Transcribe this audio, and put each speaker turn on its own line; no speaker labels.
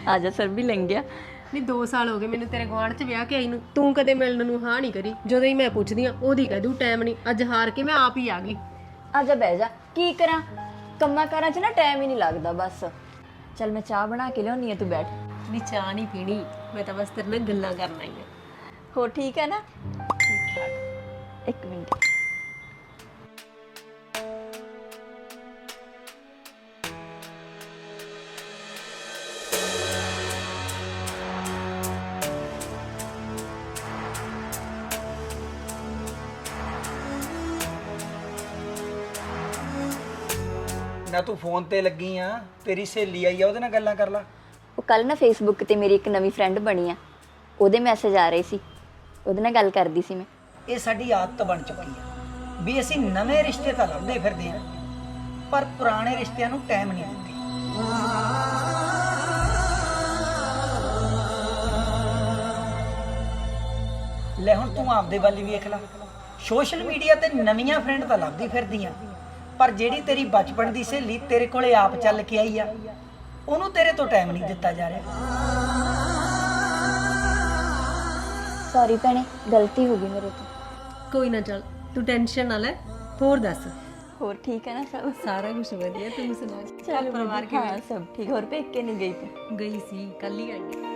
ਆ ਜਾ ਸਰ ਵੀ ਲੰਘ ਗਿਆ।
ਨਹੀਂ 2 ਸਾਲ ਹੋ ਗਏ ਮੈਨੂੰ ਤੇਰੇ ਗੁਆਂਢ 'ਚ ਵਿਆਹ ਕੇ ਆਈ ਨੂੰ, ਤੂੰ ਕਦੇ ਮਿਲਣ ਨੂੰ ਹਾਂ ਨਹੀਂ ਕਰੀ। ਜਦੋਂ ਹੀ ਮੈਂ ਪੁੱਛਦੀ ਆ ਉਹਦੀ ਕਹਿ ਦੂ ਟਾਈਮ ਨਹੀਂ। ਅੱਜ ਹਾਰ ਕੇ ਮੈਂ ਆਪ ਹੀ ਆ ਗਈ।
ਆ ਜਾ ਬਹਿ ਜਾ, ਕੀ ਕਰਾਂ ਕੰਮਾਂ ਕਾਰਾਂ 'ਚ ਨਾ ਟਾਈਮ ਹੀ ਨਹੀਂ ਲੱਗਦਾ ਬਸ। ਚੱਲ ਮੈਂ ਚਾਹ ਬਣਾ ਕੇ ਲਿਆਉਣੀ ਆ, ਤੂੰ ਬੈਠ।
ਨਹੀਂ ਚਾਹ ਨਹੀਂ ਪੀਣੀ, ਮੈਂ ਤਾਂ ਬਸ ਤੇਰੇ ਨਾਲ ਗੱਲਾਂ ਕਰਨ ਆਈ ਆ।
ਹੋਰ ਠੀਕ ਹੈ ਨਾ? ਠੀਕ ਠਾਕ। ਇੱਕ ਮਿੰਟ।
ਨਾ ਤੂੰ ਫੋਨ ਤੇ ਲੱਗੀ ਆ, ਤੇਰੀ ਸਹੇਲੀ ਆਈ ਆ, ਉਹਦੇ ਨਾਲ ਗੱਲਾਂ ਕਰ ਲਾ।
ਉਹ ਕੱਲ ਨਾ ਫੇਸਬੁੱਕ ਤੇ ਮੇਰੀ ਇੱਕ ਨਵੀਂ ਫਰੈਂਡ ਬਣੀ ਆ, ਉਹਦੇ ਮੈਸੇਜ ਆ ਰਹੇ ਸੀ, ਉਹਦੇ ਨਾਲ ਗੱਲ ਕਰਦੀ ਸੀ ਮੈਂ।
ਇਹ ਸਾਡੀ ਆਦਤ ਬਣ ਚੁੱਕੀ ਆ ਵੀ ਅਸੀਂ ਨਵੇਂ ਰਿਸ਼ਤੇ ਤਾਂ ਲੱਭਦੇ ਫਿਰਦੇ ਆ, ਪਰ ਪੁਰਾਣੇ ਰਿਸ਼ਤਿਆਂ ਨੂੰ ਟਾਈਮ ਨਹੀਂ ਦਿੰਦੇ। ਲੈ ਹੁਣ ਤੂੰ ਆਪਦੇ ਵੱਲ ਹੀ ਵੇਖ ਲੈ, ਸੋਸ਼ਲ ਮੀਡੀਆ ਤੇ ਨਵੀਆਂ ਫਰੈਂਡ ਤਾਂ ਲੱਭਦੀ ਫਿਰਦੀ ਆ, ਪਰ ਜਿਹੜੀ ਤੇਰੀ ਬਚਪਨ ਦੀ ਸਹੇਲੀ ਤੇਰੇ ਕੋਲੇ ਆਪ ਚੱਲ ਕੇ ਆਈ ਆ, ਉਹਨੂੰ ਤੇਰੇ ਤੋਂ ਟਾਈਮ ਨਹੀਂ ਦਿੱਤਾ ਜਾ ਰਿਹਾ।
ਸੌਰੀ ਭੈਣੇ, ਗਲਤੀ ਹੋ ਗਈ ਮੇਰੇ ਤੋਂ।
ਕੋਈ ਨਾ, ਚੱਲ ਤੂੰ ਟੈਨਸ਼ਨ ਨਾ ਲੈ। ਹੋਰ ਦੱਸ,
ਹੋਰ ਠੀਕ ਹੈ ਨਾ ਸਭ?
ਸਾਰਾ ਕੁਝ ਵਧੀਆ, ਤੂੰ ਸੁਣਾ?
ਚੱਲ
ਪਰਿਵਾਰ
ਹਾਂ ਸਭ ਠੀਕ। ਹੋਰ ਪੇਕੇ ਨਹੀਂ ਗਈ ਤੂੰ?
ਗਈ ਸੀ, ਕੱਲ ਹੀ ਆਈ।